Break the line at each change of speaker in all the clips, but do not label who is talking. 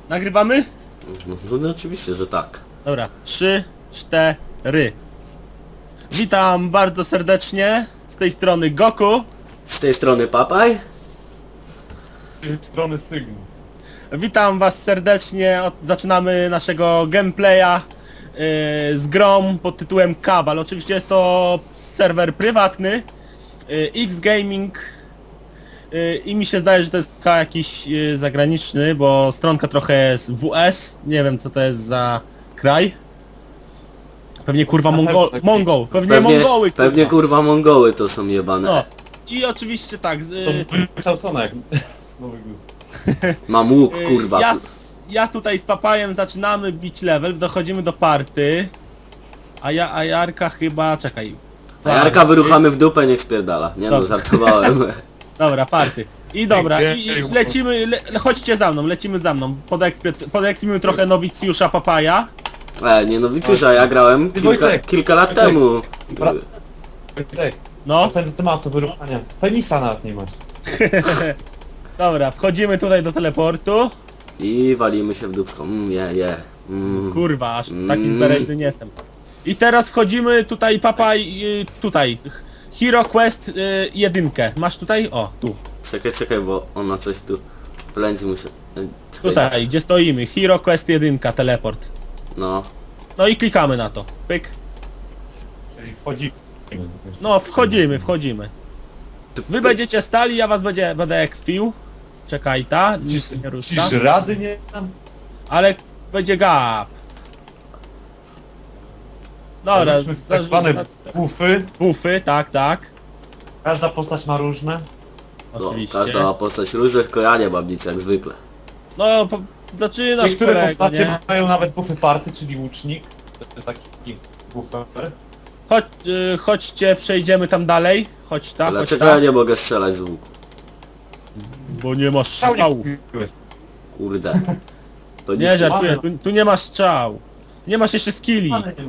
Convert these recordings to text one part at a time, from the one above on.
Nagrywamy?
No oczywiście, że tak.
Dobra, 3, 4. Witam bardzo serdecznie z tej strony Goku.
Z tej strony Papaj.
Z tej strony Sygn.
Witam was serdecznie. Zaczynamy naszego gameplaya z grą pod tytułem Cabal. Oczywiście jest to serwer prywatny, X-Gaming, i mi się zdaje, że to jest jakiś zagraniczny, bo stronka trochę jest WS. Nie wiem co to jest za kraj. Pewnie kurwa Mongol. Pewnie Mongoły kurwa.
Pewnie kurwa Mongoły to są jebane.
No. I oczywiście tak.
To wykształcone jak Nowy Gór.
Mam łuk kurwa.
Ja tutaj z Papajem zaczynamy bić level, dochodzimy do party. A Jarka chyba... czekaj.
A Jarka wyruchamy w dupę, niech spierdala. Nie no,
Dobrze.
żartowałem.
Dobra, party. I dobra, i lecimy, chodźcie za mną, lecimy za mną. Podekspimy trochę nowicjusza Papaja.
Nie no Wicusza, ja grałem kilka lat temu.
No,
Ten tematu wyruchania. Penisa nawet nie masz.
dobra, wchodzimy tutaj do teleportu.
I walimy się w dupską.
Kurwa, aż taki zbereźny nie jestem. I teraz wchodzimy tutaj, Papaj, tutaj. Hero Quest 1. Masz tutaj? O, tu.
Czekaj, bo ona coś tu plędzi mu się. Czekaj.
Tutaj, gdzie stoimy. Hero Quest 1, teleport.
No.
No i klikamy na to. Pyk.
Czyli wchodzi.
No, wchodzimy. Wy będziecie stali, ja was będę expił. Czekaj, ta, nic nie rusza.
Czyż rady nie tam?
Ale będzie gap. Dobra,
Robiliśmy tak zwane buffy.
buffy, tak.
Każda postać ma różne.
No,
Oczywiście.
każda ma postać różnych, tylko ja nie mam nic jak zwykle.
No, zaczynasz
Niektóre
kolego,
postacie
nie?
mają nawet buffy party, czyli łucznik. To jest taki buffer.
Chodźcie, przejdziemy tam dalej. Chodź ta.
Dlaczego ja nie mogę strzelać z łuku?
Bo nie masz strzałów.
Kurde. To
Nie
nic
żartuję, tu nie masz strzał. Nie masz jeszcze skilli.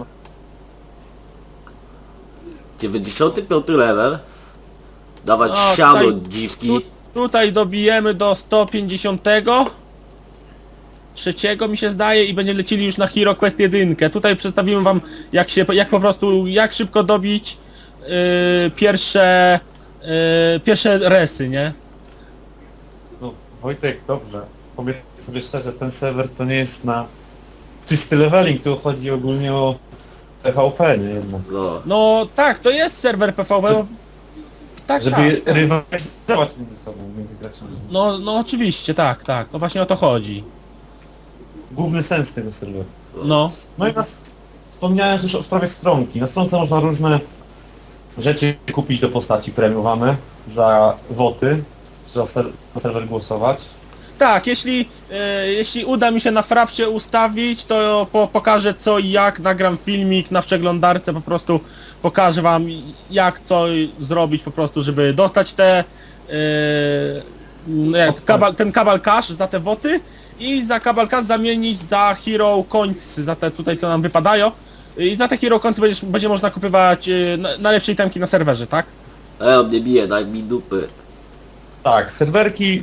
95 level. Dawać
No,
siano
tutaj-
dziwki.
Tutaj dobijemy do 150. Trzeciego mi się zdaje i będziemy lecili już na Hero Quest 1. Tutaj przedstawimy wam jak szybko dobić pierwsze resy, nie?
No, Wojtek, dobrze. Powiedz sobie szczerze, ten serwer to nie jest na czysty leveling, tu chodzi ogólnie o PvP, nie jednak.
No.
No tak, to jest serwer PvP. Tak,
Żeby
tak.
rywalizować między sobą, między graczami.
No oczywiście, tak. No właśnie o to chodzi.
Główny sens tego serweru.
No.
No i wspomniałem też o sprawie stronki. Na stronce można różne rzeczy kupić do postaci premiowane za woty, na serwer głosować.
Tak, jeśli uda mi się na frapsie ustawić, to pokażę co i jak, nagram filmik na przeglądarce, po prostu pokażę wam jak co zrobić po prostu, żeby dostać ten Cabal Cash za te woty i za Cabal Cash zamienić za Hero Coins, za te tutaj co nam wypadają i za te Hero Coins będzie można kupywać najlepsze itemki na serwerze, tak?
On mnie bije, daj mi dupy.
Tak, serwerki,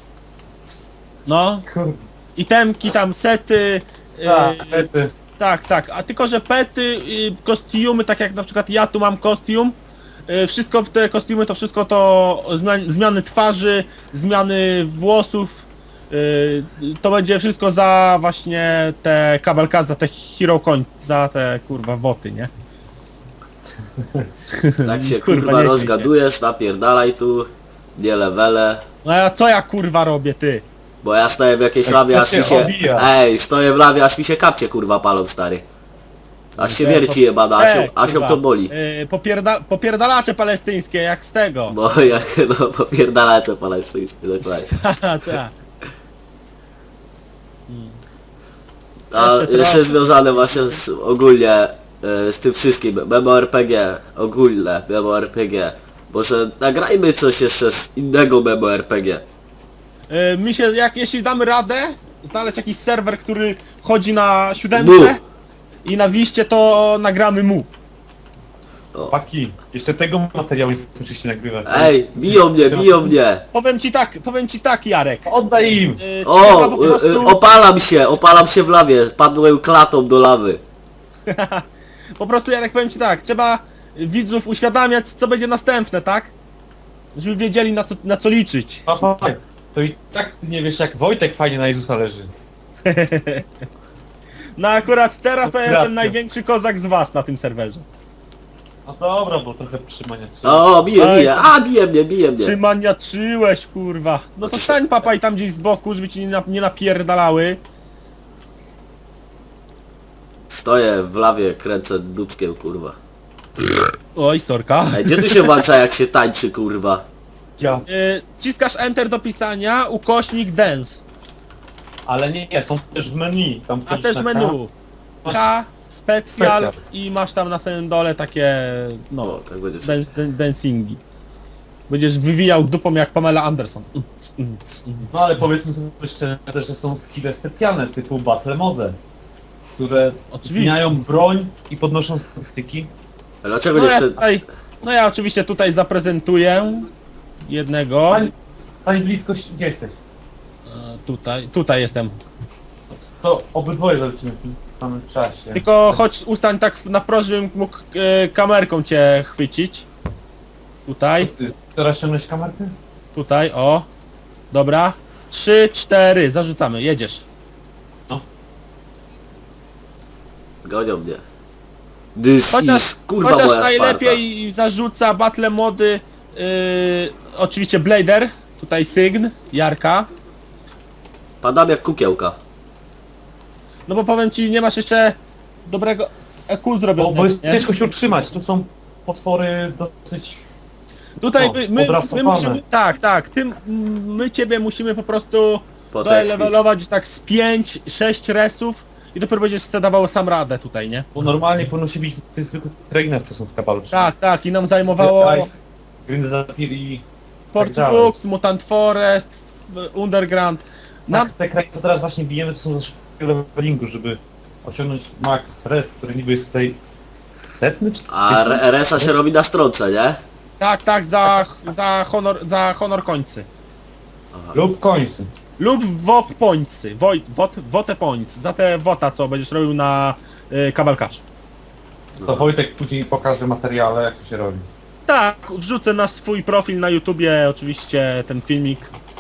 No, itemki tam, sety,
pety.
tak, a tylko że pety, kostiumy, tak jak na przykład ja tu mam kostium, wszystko te kostiumy to wszystko to zmiany twarzy, zmiany włosów, to będzie wszystko za właśnie te kabelka, za te hero coin, za te kurwa woty, nie?
Tak się
Kurwa,
kurwa
nie
rozgadujesz, napierdalaj tu. Nie levele.
No a co ja kurwa robię, ty?
Bo ja stoję w jakiejś lawie,
to
aż
się
mi się...
obija.
Ej, stoję w lawie, aż mi się kapcie kurwa palą, stary. Aż się wierci jebana, aż ją
kurwa,
to boli.
Popierdalacze palestyńskie, jak z tego.
Bo jak no popierdalacze palestyńskie, dokładnie.
Haha, tak.
A
Jeszcze
jeszcze
trochę.
związane właśnie ogólnie z tym wszystkim, MMORPG, ogólne MMORPG. Może nagrajmy coś jeszcze z innego MMORPG.
Jeśli damy radę znaleźć jakiś serwer, który chodzi na
Mu.
7 i na wiście, to nagramy mu.
Paki, jeszcze tego materiału nie musicie nagrywać.
Ej, biją mnie!
Powiem ci tak, Jarek.
Oddaj im!
Trzeba po prostu,
Opalam się w lawie, padłem klatą do lawy.
po prostu, Jarek, powiem ci tak, trzeba widzów uświadamiać, co będzie następne, tak? Żeby wiedzieli, na co liczyć.
Papaj, to i tak ty nie wiesz, jak Wojtek fajnie na Jezusa leży.
No akurat teraz to
Racja.
jestem największy kozak z was na tym serwerze.
No dobra, bo trochę trzymania trzeba.
O, bije
Ej,
mnie.
Czy maniaczyłeś, kurwa? No to stań, papaj, tam gdzieś z boku, żeby ci nie napierdalały.
Stoję w lawie, kręcę dupskiem, kurwa.
Oj, sorka.
Ej, gdzie tu się włącza jak się tańczy, kurwa?
Ja.
Ciskasz Enter do pisania, ukośnik dance.
Ale nie, są też w menu. Tam
A też
na
menu.
Masz
K, specjal
specjal.
i masz tam na samym dole takie,
O,
no,
tak będzie.
dancingi. Będziesz wywijał dupą jak Pamela Anderson.
No ale powiedzmy sobie szczerze też, że są skille specjalne typu Battle Mode, które
Oczywiście.
zmieniają broń i podnoszą statystyki.
A dlaczego
No
nie
ja,
chcę...
tutaj, no ja oczywiście tutaj zaprezentuję jednego.
Stań blisko, gdzie jesteś?
Tutaj jestem.
To obydwoje zobaczymy w tym samym czasie.
Tylko chodź, ustań tak na wprost, żebym mógł kamerką cię chwycić. Tutaj,
Ty teraz ściągnąć kamerkę?
tutaj, o. Dobra. 3, 4, zarzucamy, jedziesz.
Gonią mnie. This
Chociaż,
is, kurwa,
chociaż
moja Sparta.
najlepiej zarzuca battle mody, oczywiście Blader, tutaj Sygn, Jarka.
Padam jak kukiełka.
No bo powiem ci, nie masz jeszcze dobrego EQ zrobionego,
Bo jest
nie?
ciężko się utrzymać, tu są potwory dosyć...
Tutaj
O,
my
odrasowane.
musimy, tak, my ciebie musimy po prostu
Potekspić.
levelować tak z 5-6 resów i dopiero będziesz sobie dawał sam radę tutaj, nie?
Bo normalnie powinno się bić tych zwykłych trainer, co są w kabalu.
Tak, i nam zajmowało
Grindy Zapir i...
Port
dalej.
Brooks, Mutant Forest, Underground. Nam,
Te kraje, co teraz właśnie bijemy, to są ze szybkiego levelingu, żeby osiągnąć max res, który niby jest tutaj setny czy...
A RS-a się robi na stronce, nie?
tak, za honor końcy.
Lub końcy.
Lub WOP pońcy, WOTE pońcy, za te WOTA, co będziesz robił na kabelkarz.
To Wojtek później pokaże materiale, jak to się robi.
Tak, wrzucę na swój profil na YouTubie oczywiście ten filmik.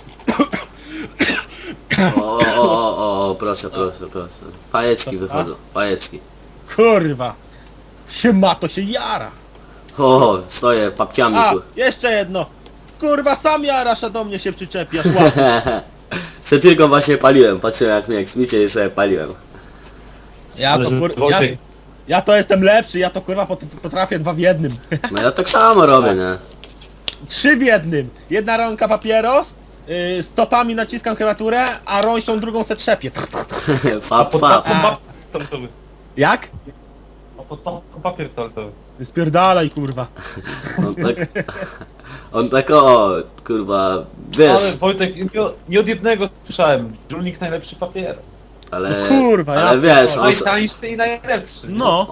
O, proszę. Fajeczki wychodzą, fajeczki.
Kurwa, to się jara.
O, stoję papciami,
A,
kur...
jeszcze jedno. Kurwa, sam jarasz, a do mnie się przyczepiasz. Łapie.
Se tylko właśnie paliłem, patrzyłem jak mnie jak smicie i sobie paliłem.
Ale żeby Wojtek-
Ja to jestem lepszy, ja to kurwa potrafię 2 w 1.
No ja tak samo robię, nie?
3 w 1. Jedna rąka papieros, stopami naciskam klawiaturę, a rączką drugą se trzepię.
Fap.
Pod taką papier toaletowy.
Jak?
A pod taką papier toaletowy.
Spierdalaj, kurwa.
On tak o, kurwa, wiesz,
Ale Wojtek, nie od jednego słyszałem. Żulnik najlepszy papieros.
ale...
No kurwa, ja
ale wiesz, on,
Najtańszy i najlepszy.
No.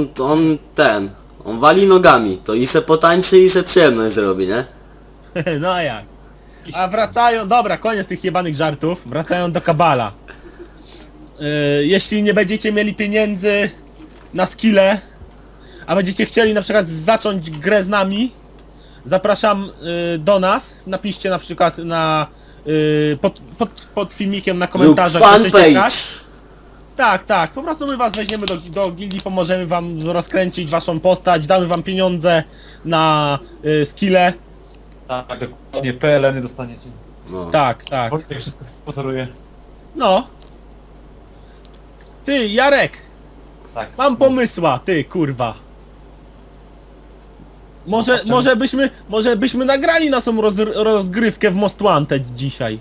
on wali nogami, to i se potańczy i se przyjemność zrobi, nie?
No a jak? A wracają, dobra, koniec tych jebanych żartów, wracają do kabala. Jeśli nie będziecie mieli pieniędzy na skille, a będziecie chcieli na przykład zacząć grę z nami, zapraszam do nas, napiszcie na przykład na pod filmikiem na
Lub
komentarzach, że chcecie
fanpage.
grać. Tak, po prostu my was weźmiemy do gildii, pomożemy wam rozkręcić waszą postać, damy wam pieniądze na skille.
Tak, dokładnie, PLN-y dostaniecie.
No.
Tak.
Wojtek wszystko sponsoruje.
No. Ty, Jarek,
Tak.
mam pomysła, ty, kurwa. Może byśmy nagrali naszą rozgrywkę w Most Wanted dzisiaj.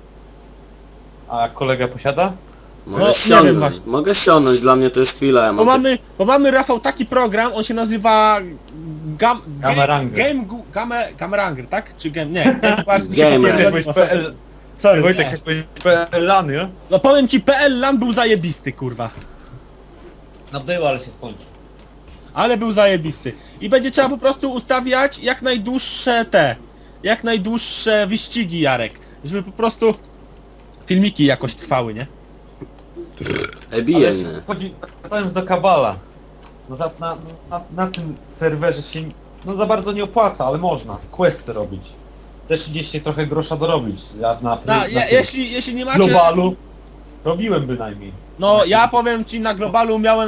A kolega posiada?
Mogę
No, nie wiem
ściągnąć,
właśnie.
mogę ściągnąć, dla mnie to jest chwila, ja
Bo
mam tak-
mamy, Rafał, taki program, on się nazywa
Gameranger.
Gameranger, tak? Czy game? Nie. Mi się
Gamer.
popierdoliło,
Chciałeś PL...
Sorry,
Wojtek,
nie.
chciałeś powiedzieć PL-lany, nie?
No powiem ci, PL LAN był zajebisty, kurwa.
No było, ale się skończył.
ale był zajebisty. I będzie trzeba po prostu ustawiać jak najdłuższe wyścigi, Jarek, żeby po prostu filmiki jakoś trwały, nie?
Bije
Ale
mnie.
wracając do Kabala. No na tym serwerze się no za bardzo nie opłaca, ale można questy robić. Też gdzieś się trochę grosza dorobić. Ja na tym
Jeśli nie macie...
globalu robiłem bynajmniej.
No ja powiem ci, na globalu miałem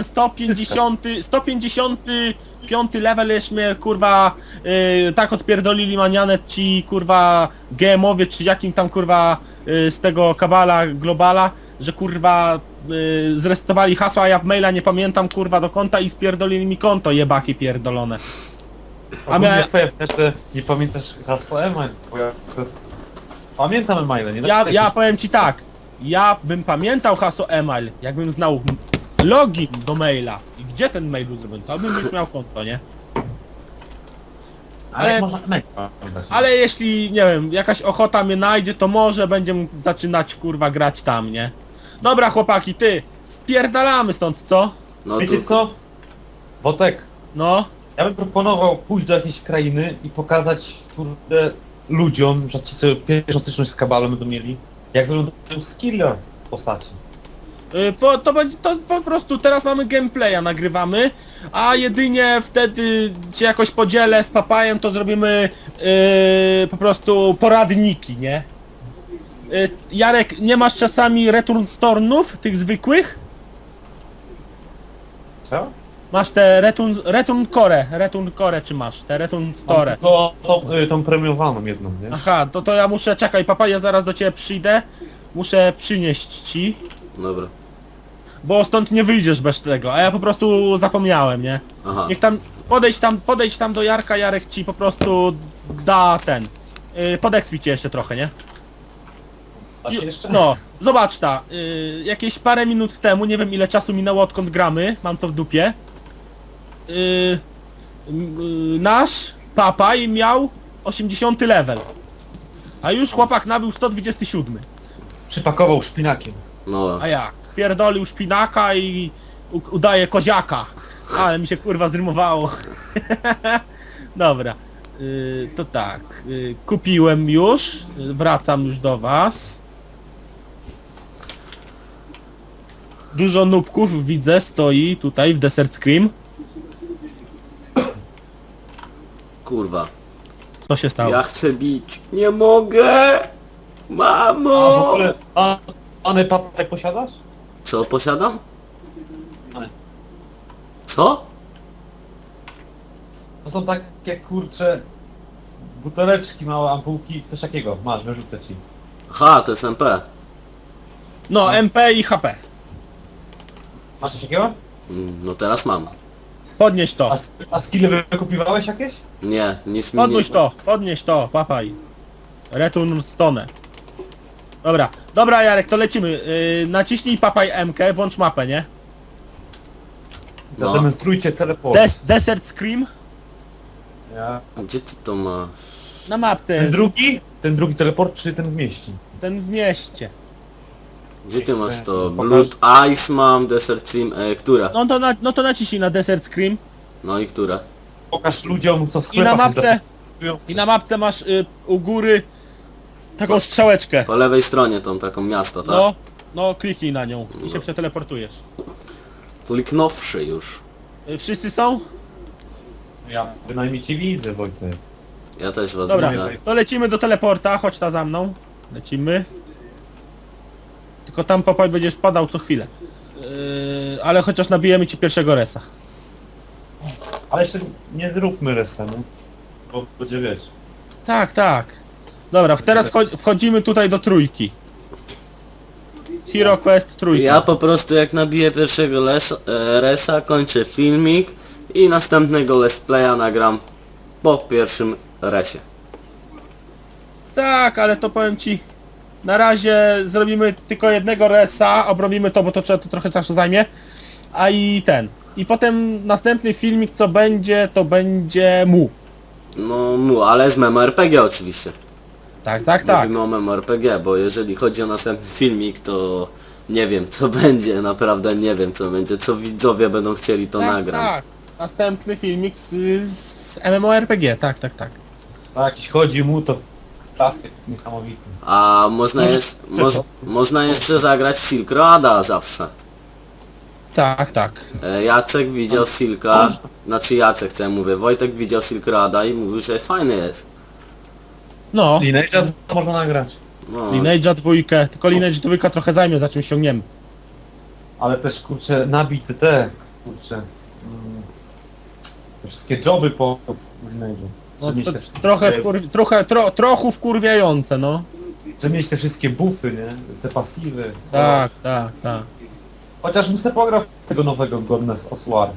155 level, już mnie kurwa tak odpierdolili manianet ci kurwa GM-owie, czy jakim tam kurwa z tego kabala globala, że kurwa zresetowali hasła, a ja maila nie pamiętam kurwa do konta i spierdolili mi konto, jebaki pierdolone.
A miałem... twoje jeszcze nie pamiętasz hasła email, bo ja pamiętam emaile, nie?
Ja powiem ci tak, ja bym pamiętał hasło email, jakbym znał login do maila i gdzie ten mail był zrobiony, to bym już miał konto, nie?
Ale można email pamiętać.
Ale jeśli, nie wiem, jakaś ochota mnie najdzie, to może będziemy zaczynać kurwa grać tam, nie? Dobra chłopaki, ty, spierdalamy stąd, co?
No
Wiecie
tu...
co? Wotek,
No,
ja bym proponował pójść do jakiejś krainy i pokazać kurde ludziom, że ci co pierwszą styczność z Kabalem będą mieli, jak wyglądają skille w postaci.
to po prostu teraz mamy gameplaya, nagrywamy, a jedynie wtedy się jakoś podzielę z papajem, to zrobimy po prostu poradniki, nie? Jarek, nie masz czasami return stornów, tych zwykłych?
Co?
Masz te return core czy masz? Te return store.
Tą premiowaną jedną, nie?
Aha, to ja muszę, czekaj papa, ja zaraz do ciebie przyjdę. Muszę przynieść ci,
Dobra.
bo stąd nie wyjdziesz bez tego, a ja po prostu zapomniałem, nie?
Aha.
Niech tam, podejdź tam do Jarka, Jarek ci po prostu da ten. Podekspi cię jeszcze trochę, nie?
A się jeszcze?
No, zobacz ta, jakieś parę minut temu, nie wiem ile czasu minęło odkąd gramy, mam to w dupie. Nasz papaj miał 80 level, a już chłopak nabył 127.
Przypakował szpinakiem.
No.
A jak? Pierdolił szpinaka i udaje koziaka. Ale mi się kurwa zrymowało. Dobra. To tak. Kupiłem już. Wracam już do was. Dużo nubków widzę, stoi tutaj w Desert Scream.
Kurwa.
Co się stało?
Ja chcę bić. Nie mogę!
A w
Mamo!
ogóle, Ane papaj posiadasz?
Co posiadam?
Ane.
Co?
To są takie kurcze buteleczki, małe ampułki, coś takiego. Masz, wyrzucę ci.
Aha, to jest MP.
No, MP i HP.
Masz coś takiego?
No teraz mam.
Podnieś to.
A skille wykupiwałeś jakieś?
Nie, nic mi nie...
Podnieś to, papaj. Return stone. Dobra Jarek, to lecimy. Naciśnij papaj MK, włącz mapę, nie?
No.
Zademonstrujcie teleport.
Desert Scream.
Ja.
Gdzie ty to masz?
Na mapce
Ten
jest.
drugi? Ten drugi teleport czy ten w mieście?
Ten w mieście.
Gdzie ty masz to?
Pokaż.
Blood Ice mam, Desert Sim, która?
No to naciśnij na Desert Scream.
No i która?
Pokaż ludziom co w
I na
sklepach
mapce,
jest
i na mapce masz u góry taką strzałeczkę.
Po lewej stronie tą taką miasto, tak?
No kliknij na nią i się przeteleportujesz.
Kliknąwszy już.
Wszyscy są?
Ja bynajmniej cię widzę, Wojtek.
Ja też was
Dobra,
widzę.
to lecimy do teleporta, chodź ta za mną. Lecimy. Tylko tam papaj będziesz padał co chwilę. Ale chociaż nabijemy ci pierwszego resa.
Ale jeszcze nie zróbmy resenu. Bo będzie wiesz.
Tak. Dobra, teraz wchodzimy tutaj do trójki. Hero Quest trójka.
Ja po prostu jak nabiję pierwszego resa, kończę filmik i następnego let's playa nagram po pierwszym resie.
Tak, ale to powiem ci, na razie zrobimy tylko jednego resa, obrobimy to, bo to trochę czasu zajmie, i potem następny filmik co będzie, to będzie mu.
No, ale z MMORPG oczywiście.
Tak.
Mówimy o MMORPG, bo jeżeli chodzi o następny filmik, to nie wiem co będzie, naprawdę nie wiem co będzie, co widzowie będą chcieli to nagram.
Tak. Następny filmik z MMORPG, tak.
A jakiś chodzi mu to klasyk niesamowity.
A można, można jeszcze zagrać w Silk Roada zawsze.
Tak.
Jacek widział Silka, znaczy Jacek, co ja mówię, Wojtek widział Silk Roada i mówił, że fajny jest.
No,
Lineage'a to można nagrać.
No,
Lineage'a 2, tylko Lineage 2 trochę zajmie, za czym ściągniemy.
Ale też kurczę, nabity te, kurczę. Te wszystkie joby po Lineage'u.
No,
Że mieć
to
te wszystkie-
trochę wkurwiające, no.
Że mieć te wszystkie buffy, nie? Te pasywy.
Tak.
Chociaż bym sobie pograł w tego nowego Godness of War.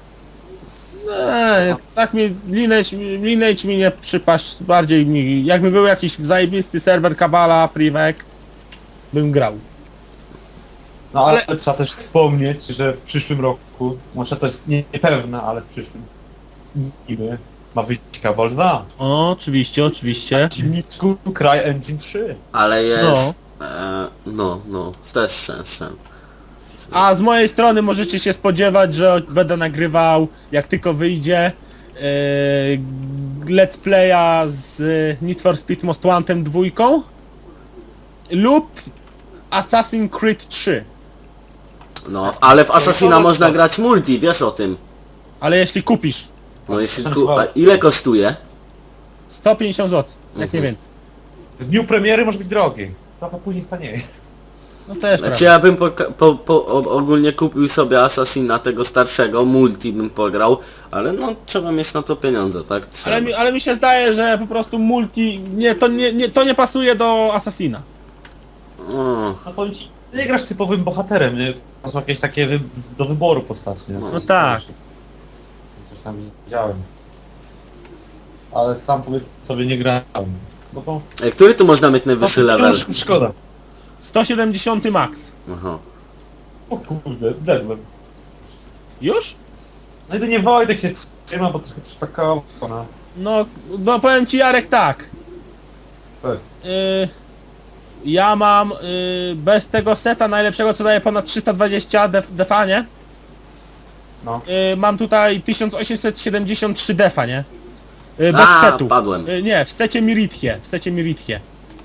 Tak mi Lineage mi nie przypaść, bardziej mi, jakby był jakiś zajebisty serwer Kabala, Privek, bym grał.
No ale
Ale-
trzeba też wspomnieć, że w przyszłym roku, może to jest niepewne, ale w przyszłym niby ma wyjść Cabal 2.
O, oczywiście.
W silniczku CryEngine 3.
ale jest... No, też szczęściem.
A z mojej strony możecie się spodziewać, że będę nagrywał, jak tylko wyjdzie, let's playa z Need for Speed Most Wanted 2 lub Assassin's Creed 3.
No, ale w Assassina można grać multi, wiesz o tym.
Ale jeśli kupisz
No jeśli a ile kosztuje?
150 zł, jak nie więcej.
W dniu premiery może być drogi. Trochę później stanieje.
No też
Znaczy
prawda.
ja bym ogólnie kupił sobie Assassina tego starszego, multi bym pograł, ale no trzeba mieć na to pieniądze, tak? Trzeba.
Ale mi się zdaje, że po prostu multi, to nie pasuje do Assassina.
O,
No powiem ci, ty nie grasz typowym bohaterem, nie? To są jakieś takie do wyboru postaci, nie?
No
tak.
Coś tam widziałem. Ale sam powiedz sobie nie grałem. No to...
który tu można mieć najwyższy level?
Szkoda.
170 max.
Aha.
O kurde, dedłem.
Już?
No jedynie Wojtek się trzyma, bo trochę przypakował, no.
No powiem ci, Jarek, tak.
To jest.
Ja mam bez tego seta najlepszego, co daje ponad 320 defa, nie?
No.
Mam tutaj 1873 defa, nie? Bez
A,
setu.
padłem.
Nie, w secie Mirithie.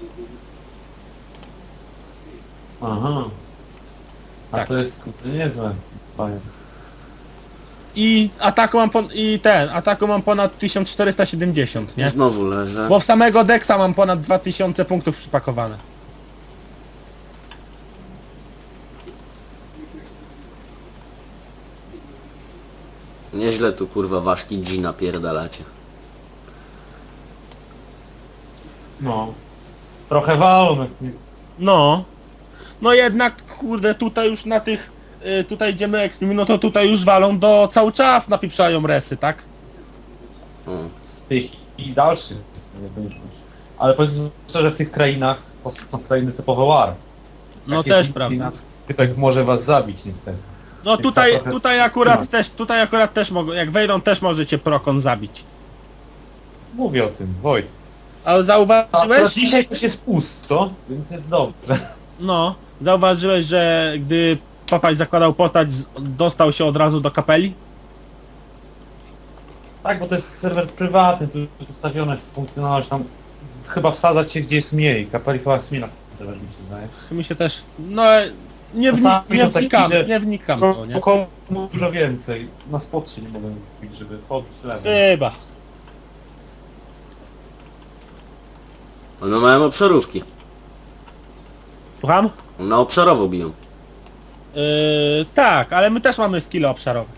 Aha. A
Tak.
to jest kurde niezłe. Panie.
I ataku mam ponad 1470, nie?
Znowu leżę.
Bo w samego Dexa mam ponad 2000 punktów przypakowane.
Nieźle tu kurwa ważki G napierdalacie.
No. Trochę walą.
No jednak, kurde, tutaj już na tych, tutaj idziemy expim, no to tutaj już walą cały czas napieprzają resy, tak?
Z tych i dalszych. Ale powiedzmy szczerze, w tych krainach to są krainy typowe war.
No
Takie
też
są
prawda.
krainy, tak może was zabić niestety.
No
Więc
tutaj,
trzeba trochę
tutaj akurat też mogą, jak wejdą też możecie Prokon zabić.
Mówię o tym, Wojt.
Ale
A
zauważyłeś?
dzisiaj coś jest pusto, więc jest dobrze.
No, zauważyłeś, że gdy Papaj zakładał postać, dostał się od razu do kapeli?
Tak, bo to jest serwer prywatny, tu jest ustawione funkcjonalność, tam chyba wsadzać się gdzie jest mniej, kapeli chyba jest mniej na serwerze, mi się zdaje.
Mi się też, no
Czasami są taki, że-
nie wnikam w to, nie?
Komu dużo więcej, na spot się nie mogę kupić, żeby pobić level.
Chyba.
One mają obszarówki.
Słucham?
Na obszarowo biją.
Tak, ale my też mamy skille obszarowe.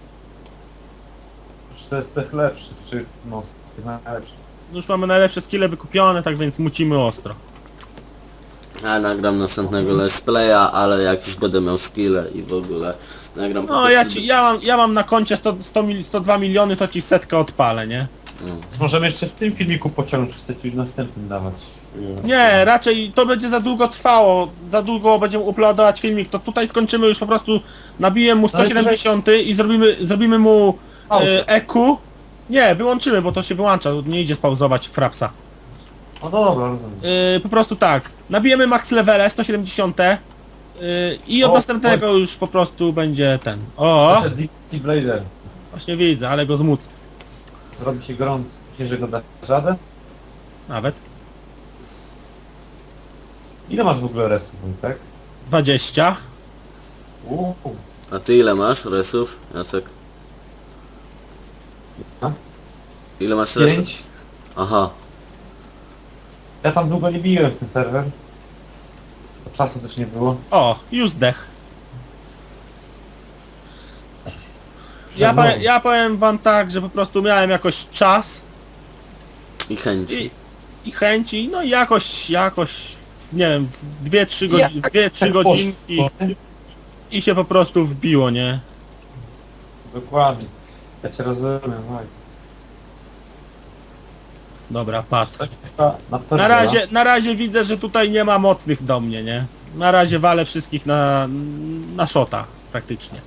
To jest tych lepszych, czy no, z tych najlepszych.
Już mamy najlepsze skille wykupione, tak więc mucimy ostro.
Ja nagram następnego let's playa, ale jak już będę miał skille i w ogóle nagram po
No
prostu...
ja mam na koncie 102 miliony, to ci setkę odpalę, nie?
Możemy jeszcze w tym filmiku pociągnąć, czy chcecie następnym dawać.
Nie, raczej to będzie za długo trwało, za długo będziemy uploadować filmik, to tutaj skończymy już po prostu, nabiję mu 170 i zrobimy mu
Pauzę.
EQ. Nie, wyłączymy, bo to się wyłącza, nie idzie spauzować frapsa.
No dobra, rozumiem.
Po prostu tak, nabijemy max levele 170 i od
O,
następnego już po prostu będzie ten. O!
Proszę, DC Blader.
Właśnie widzę, ale go zmucę.
Zrobi się gorąco. Myślisz, że go dasz radę?
Nawet.
Ile masz w ogóle resów, tak?
20.
A ty ile masz resów, Jacek?
A?
Ile masz resów?
5.
Aha.
Ja tam długo nie biłem ten serwer. Bo czasu też nie było.
O, już zdech.
Znowu.
Ja powiem wam tak, że po prostu miałem jakoś czas
I chęci.
i chęci, no i jakoś, nie wiem, w 2-3 godziny,
Jak
2-3
tak
godzinki
poszło,
i się po prostu wbiło, nie?
Dokładnie. Ja cię rozumiem, tak.
Dobra, padł.
Na pewno.
Na razie widzę, że tutaj nie ma mocnych do mnie, nie? Na razie walę wszystkich na shota, praktycznie.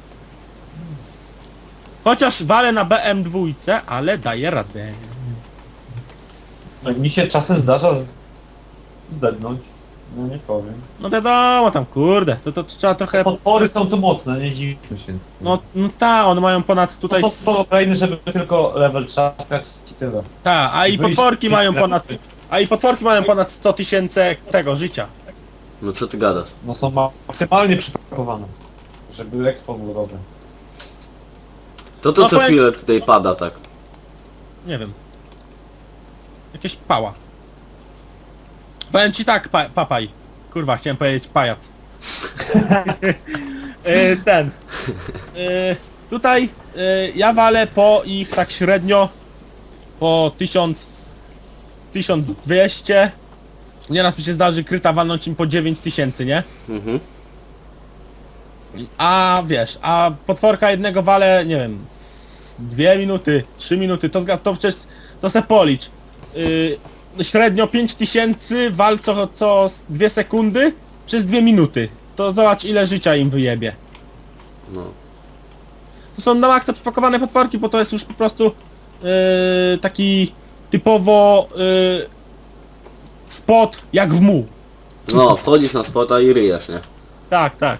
Chociaż walę na BM2, ale daję radę.
No, mi się czasem zdarza zdednąć. No nie powiem.
No wiadomo tam, kurde, to trzeba trochę...
Potwory są tu mocne, nie dziwmy się.
No ta, one mają ponad tutaj...
To są kolejne, żeby tylko level trzaskać i tyle.
Ta, a i
Wyjść
potworki
z
mają
tej
ponad...
strefy.
A i potworki mają ponad 100 000 tego życia.
No co ty gadasz?
No są maksymalnie przypakowane. Żeby expo było dobre.
To
No
co
powiem
chwilę tutaj pada tak.
Nie wiem. Jakieś pała. Powiem ci tak, papaj. Kurwa, chciałem powiedzieć pajac. Ten. Tutaj ja walę po ich tak średnio po 1000, 1200. Nieraz mi się zdarzy kryta walnąć im po 9000, nie?
Mhm.
A wiesz, a potworka jednego wale, nie wiem, 2 minuty, 3 minuty, to przecież, to se policz. Średnio 5000 wal co 2 sekundy przez 2 minuty. To zobacz ile życia im wyjebie.
No.
To są na maksa przypakowane potworki, bo to jest już po prostu taki typowo spot jak w mu.
No, wchodzisz na spota i ryjesz, nie?
Tak, tak.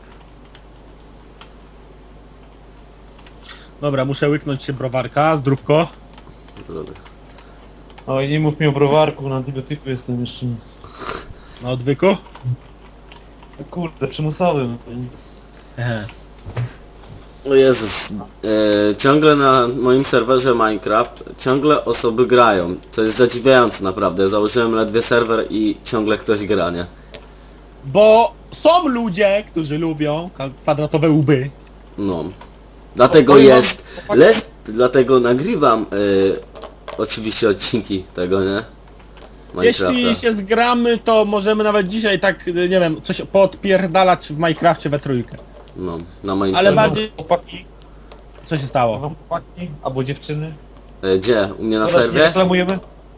Dobra, muszę łyknąć się browarka, zdrówko.
Trudno.
Oj, nie mów mi o browarku, na antybiotyku jestem jeszcze.
Na odwyku.
Kurde, przymusowym.
Ehe.
O Jezus, ciągle na moim serwerze Minecraft ciągle osoby grają. To jest zadziwiające naprawdę. Założyłem ledwie serwer i ciągle ktoś gra, nie?
Bo są ludzie, którzy lubią kwadratowe łby.
No. Dlatego
powiem wam,
jest...
chłopaki-
Dlatego nagrywam oczywiście odcinki tego, nie? Minecrafta.
Jeśli się zgramy, to możemy nawet dzisiaj tak, nie wiem, coś podpierdalać w Minecrafcie we trójkę.
No, na moim
Ale
serwerze.
bardziej-
Chłopaki,
Co się stało?
wam chłopaki, albo dziewczyny.
Gdzie? U mnie na
Teraz nie
serwie?
reklamujemy?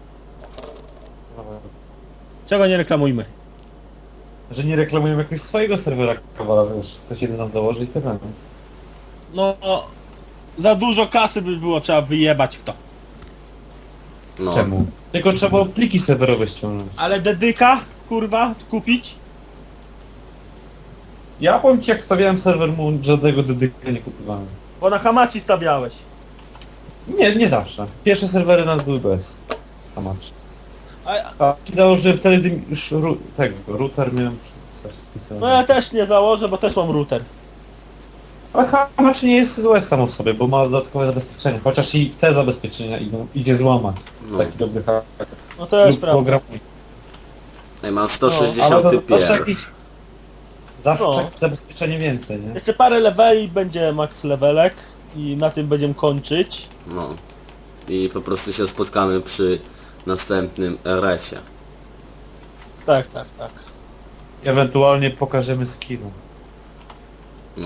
Czego nie reklamujmy?
Że nie reklamujemy jakiegoś swojego serwera, kawala, wiesz. Ktoś jeden nas założy i tyle.
No, za dużo kasy by było trzeba wyjebać w to.
No.
Czemu? Tylko trzeba pliki serwerowe ściągnąć.
Ale dedyka, kurwa, kupić?
Ja powiem ci, jak stawiałem serwer, mu żadnego dedyka nie kupowałem.
Bo na Hamachi stawiałeś.
Nie zawsze. Pierwsze serwery nas były bez. Tamacz.
A,
A założyłem wtedy już router miałem.
no ja też nie założę, bo też mam router.
Ale Hamacz nie jest złe samo w sobie, bo ma dodatkowe zabezpieczenie. Chociaż i te zabezpieczenia idzie złamać.
No.
Taki dobry hack.
No to jest
Lub
prawda.
program.
Ej, mam
Ale
160
to zawsze
pier.
jakieś... Zawsze
No.
jakieś zabezpieczenie więcej, nie?
Jeszcze parę leveli będzie max levelek i na tym będziemy kończyć.
No. I po prostu się spotkamy przy następnym RS-ie.
Tak, tak, tak.
Ewentualnie pokażemy skilla.
No.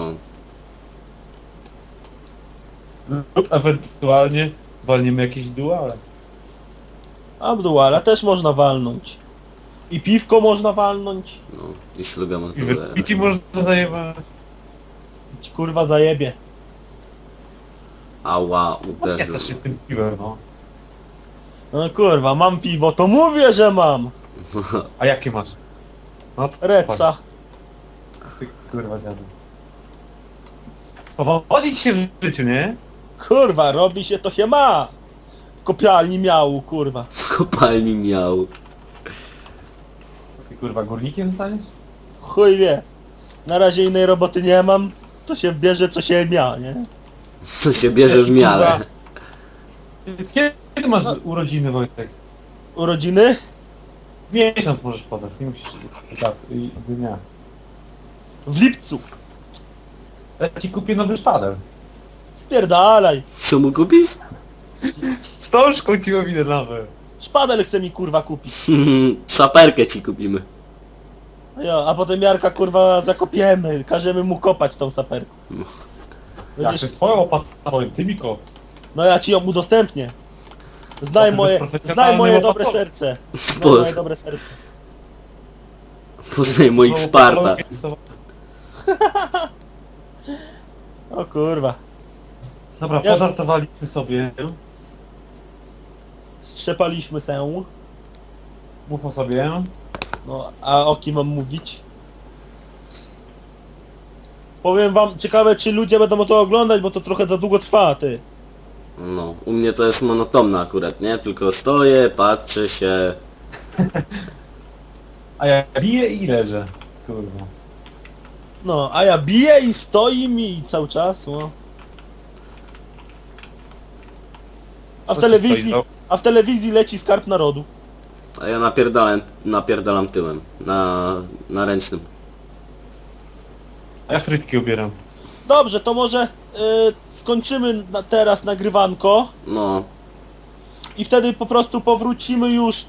Lub ewentualnie walniemy jakieś duale.
Abduala też można walnąć. I piwko można walnąć.
No. I ślubia
I wypici można zajebać.
Ci kurwa zajebie.
Ała,
Nie
uderzył.
chcesz się tym piłem, no.
No kurwa, mam piwo, to mówię, że mam.
A jakie masz? No to
Redsa.
Ty kurwa dziadu. Powodzi ci się w życiu, nie?
Kurwa, robi się to się ma. W kopialni miału, kurwa.
W kopalni miał.
Ty kurwa górnikiem zostaniesz?
Chuj wie. Na razie innej roboty nie mam. To się bierze co się mia, nie?
To się bierze w miarę.
Kiedy masz urodziny, Wojtek?
Urodziny?
Miesiąc możesz podać, nie musisz tak, dnia.
W lipcu.
Ja ci kupię nowy szpadel.
Spierdalaj.
Co mu kupisz?
Wstążką ci owinę nowe.
Szpadel chce mi kurwa kupić.
Saperkę ci kupimy.
Ja, a potem Jarka kurwa zakopiemy. Każemy mu kopać tą saperką.
Jak to
Będziesz...
jest twoja łopata, powiem, ty mi kop.
No ja ci ją udostępnię. Znaj
To
moje,
jest
znaj
profesjonalny
moje
łopatowy.
dobre serce. Znaj
Boże.
moje dobre serce.
Poznaj moich Sparta.
O kurwa.
Dobra,
Ja-
pożartowaliśmy sobie.
Strzepaliśmy się.
Mów o sobie.
No, a o kim mam mówić? Powiem wam, ciekawe czy ludzie będą to oglądać, bo to trochę za długo trwa, ty.
No, u mnie to jest monotonne akurat, nie? Tylko stoję, patrzę się.
A ja biję i leżę. Kurwa.
No, a ja biję i stoi mi cały czas, no. A w
Co ci
telewizji,
stoi,
a w telewizji leci Skarb Narodu.
A ja napierdalam tyłem. Na ręcznym.
A ja frytki ubieram.
Dobrze, to może skończymy teraz nagrywanko
No,
i wtedy po prostu powrócimy już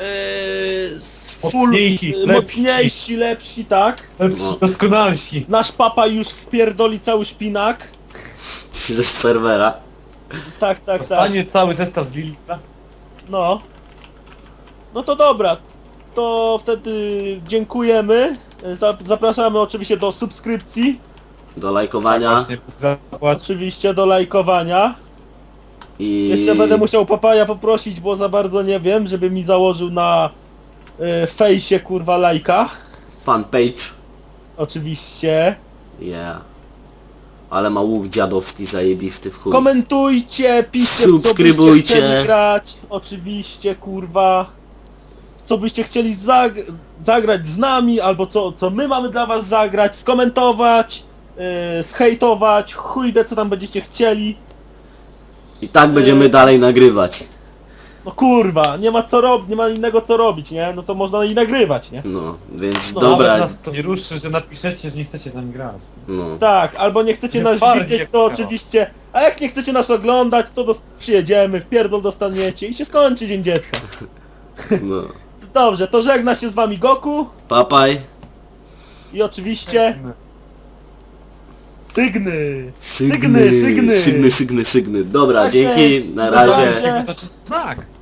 Mocniejsi,
mocniejsi, lepsi, tak?
No.
Doskonalsi.
Nasz papa już wpierdoli cały szpinak.
ze serwera.
Tak, tak, tak.
Dostanie cały zestaw z Lilita.
No. No to dobra. To wtedy dziękujemy. Zapraszamy oczywiście do subskrypcji.
Do lajkowania.
Właśnie, zapłać.
Oczywiście do lajkowania.
I...
Jeszcze będę musiał papaja poprosić, bo za bardzo nie wiem, żeby mi założył na fejsie kurwa lajka.
Fanpage.
Oczywiście.
Yeah. Ale ma łuk dziadowski zajebisty w chuj.
Komentujcie, piszcie co byście
Subskrybujcie.
chcieli grać. Oczywiście kurwa. Co byście chcieli zagrać z nami, albo co my mamy dla was zagrać, skomentować, zhejtować, chuj wie co tam będziecie chcieli.
I tak będziemy dalej nagrywać.
No kurwa, nie ma co robić, nie ma innego co robić, nie? No to można i nagrywać, nie?
No, więc
No,
dobra.
Nawet nas to nie ruszy, że napiszecie, że nie chcecie z nami grać.
No.
Tak, albo nie chcecie
Nie
nas
twardzie,
widzieć,
jak
to
chciała.
oczywiście, a jak nie chcecie nas oglądać, to przyjedziemy, wpierdol dostaniecie i się skończy Dzień Dziecka.
No.
Dobrze, to żegna się z wami Goku
Papaj.
i oczywiście Sygny.
Sygny. Dobra,
Tak
dzięki,
jest.
na
Na
razie.
razie.
To znaczy znak.